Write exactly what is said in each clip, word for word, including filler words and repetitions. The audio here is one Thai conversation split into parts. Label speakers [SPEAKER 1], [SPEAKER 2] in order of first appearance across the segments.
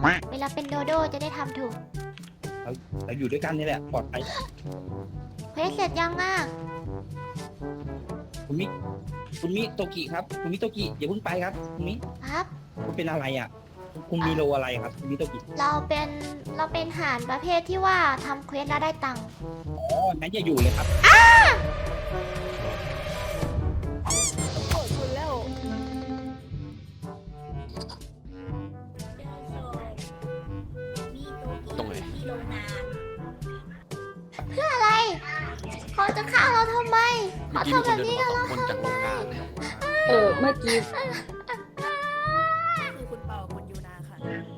[SPEAKER 1] เวลาเป็นโดโดจะได้ทำถูก
[SPEAKER 2] เราเราอยู่ด้วยกันนี่แหละปลอดภัย
[SPEAKER 1] เควสเสร็จยังอ่ะ
[SPEAKER 2] คุณมิคุณมิโตกิครับคุณมิโตกิอย่าเพิ่งไปครับคุณมิ
[SPEAKER 1] ครับ
[SPEAKER 2] คุณเป็นอะไรอ่ะคุณมีโลอะไรครับคุณมิโตกิ
[SPEAKER 1] เราเป็นเราเป็นห่านประเภทที่ว่าทำเควสแล้วได้ตังค์
[SPEAKER 2] อ๋องั้นอย่าอยู่เลยครับ
[SPEAKER 3] โกรธคุณแล้ว
[SPEAKER 4] ตรงไหน
[SPEAKER 1] เพื่ออะไร เขาจะฆ่าเราทำไม
[SPEAKER 4] เมื่
[SPEAKER 1] เขา
[SPEAKER 4] อกี้มี
[SPEAKER 1] ทำ
[SPEAKER 4] ค
[SPEAKER 1] แบ
[SPEAKER 4] น
[SPEAKER 1] บ
[SPEAKER 4] เดิน
[SPEAKER 1] นี้
[SPEAKER 4] มา
[SPEAKER 1] กับเรา
[SPEAKER 4] สองคนจากโรงงานเลย
[SPEAKER 3] เออเมื่อกี้
[SPEAKER 5] คือคุณเปากับคุณยูนาค่ะ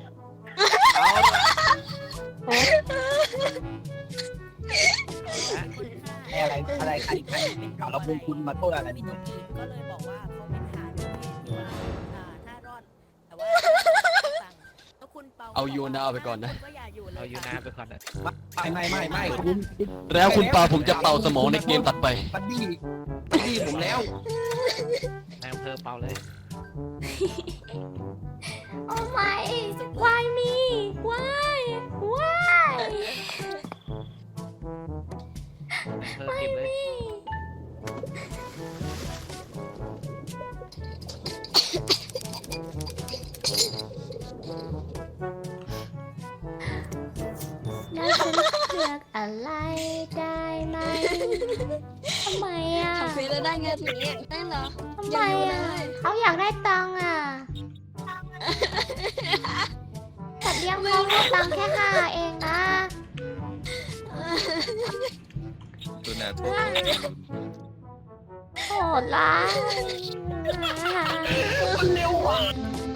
[SPEAKER 2] อะไรอะไรใครใครข่าวเราพูดคุณมาโทษอะไร
[SPEAKER 5] พี่
[SPEAKER 2] นี่
[SPEAKER 5] โตกิก็เลยบอกว่าเขาเป็นทหารประเภทที่ว่าอ่าถ้ารอดแต่ว่าสั่งแล้วคุณเปา
[SPEAKER 4] เอายูนาเอาไปก่อนนะ
[SPEAKER 5] คุณก็อย่าอยู่เลย
[SPEAKER 6] เอายูนาไปก่อนนะ
[SPEAKER 2] ไม่ไม่ไม่ไม่คุณคุณ
[SPEAKER 4] แล้วคุณเปาผมจะเป่าสมองในเกมตัดไป
[SPEAKER 2] บัดดี้บัดดี้ผมแล้ว
[SPEAKER 6] นายอำเภอเปาเลย
[SPEAKER 1] โอ้ไม่ why me why why
[SPEAKER 6] นายอำเภอเก็บเลย
[SPEAKER 1] แล้วฉันเลือกอะไรได้ไหมทำไมอ่ะ
[SPEAKER 3] ทำเควสแล้วได้เงินทีนี้ได้เหรอ
[SPEAKER 1] ทำไมอ่ะเขาอยากได้ตังค์อ่ะแต่เลี้ยงเขาให้ตังค์แค่ห้าเองนะ
[SPEAKER 4] ตัวนาโทษ
[SPEAKER 1] โหดร้าย
[SPEAKER 2] มันเร็วกว่า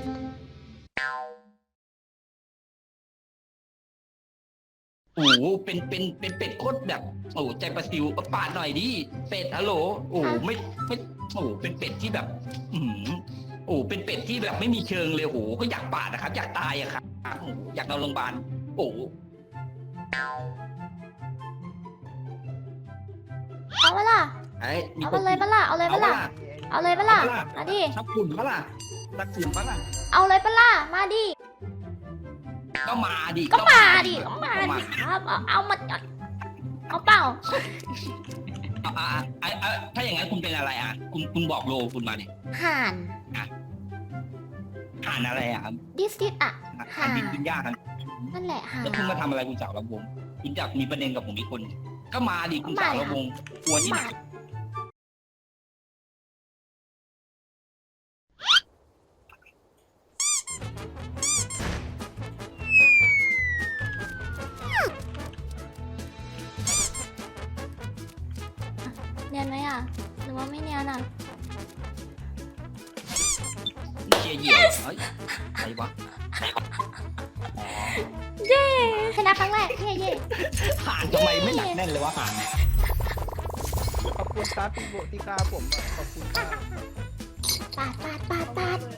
[SPEAKER 2] โอ้โหเป็นเป็นเป็นเป็ดโคตรแบบโอ้โหใจประสิวปาดหน่อยดิเป็ดฮัลโหลโอ้โหไม่ไม่โอ้โหเป็นเป็ดที่แบบ อือหือโอ้โหเป็นเป็ดที่แบบไม่มีเชิงเลยโอ้โหก็อยากปาดนะครับ อยากตายอะครับโอ้โหอยากนอนโรงพยาบาลโอ้โห
[SPEAKER 1] เอาไปล่ะ
[SPEAKER 2] ไอ้มี
[SPEAKER 1] เอา
[SPEAKER 2] ค
[SPEAKER 1] ไป
[SPEAKER 2] น
[SPEAKER 1] เลยปะล่ะเอาเลยปะล่ะเอาเลยปะล่ะมาดิ
[SPEAKER 2] ชักฝุ่นปะล่ะชักฝุ่นปะล่ะ
[SPEAKER 1] เอาเลยปะล่ะมาดิ
[SPEAKER 2] ก็มาดิ
[SPEAKER 1] ก็มาดิก็มาดิครับเอาเอามาเอาเปล่า
[SPEAKER 2] อ่ะอ่ะอ่ะอ่ะถ้าอย่างนั้นคุณเป็นอะไรอ่ะ คุณคุณบอกโลคุณมาดิ
[SPEAKER 1] ห่าน
[SPEAKER 2] ห่านอะไรอ่ะครับ
[SPEAKER 1] ดิสติสอ่ะ
[SPEAKER 2] ห่านบินบินย่ากัน
[SPEAKER 1] นั่นแหละห่าน
[SPEAKER 2] แล้วคุณมาทำอะไรคุณสาวลำวงคุณอยากมีประเด็นกับผมอีกคน ก็มาดิคุณสาวลำวงกลัวที่ไหน
[SPEAKER 1] เนียนไหมอ่ะหรือว่าไม่เนียนอ่ะ
[SPEAKER 2] เชียร์เหยี่ยวเฮ้ยใครวะ
[SPEAKER 1] เย้ชนะครั้งแรกเย้เย้
[SPEAKER 2] ห่านทำไมไม่หนักแน่นเลยวะห่านเนี่ย
[SPEAKER 6] ขอบคุณตาติโบติกาผมอะขอบคุณครับ
[SPEAKER 1] ปาดปาดปาดปาด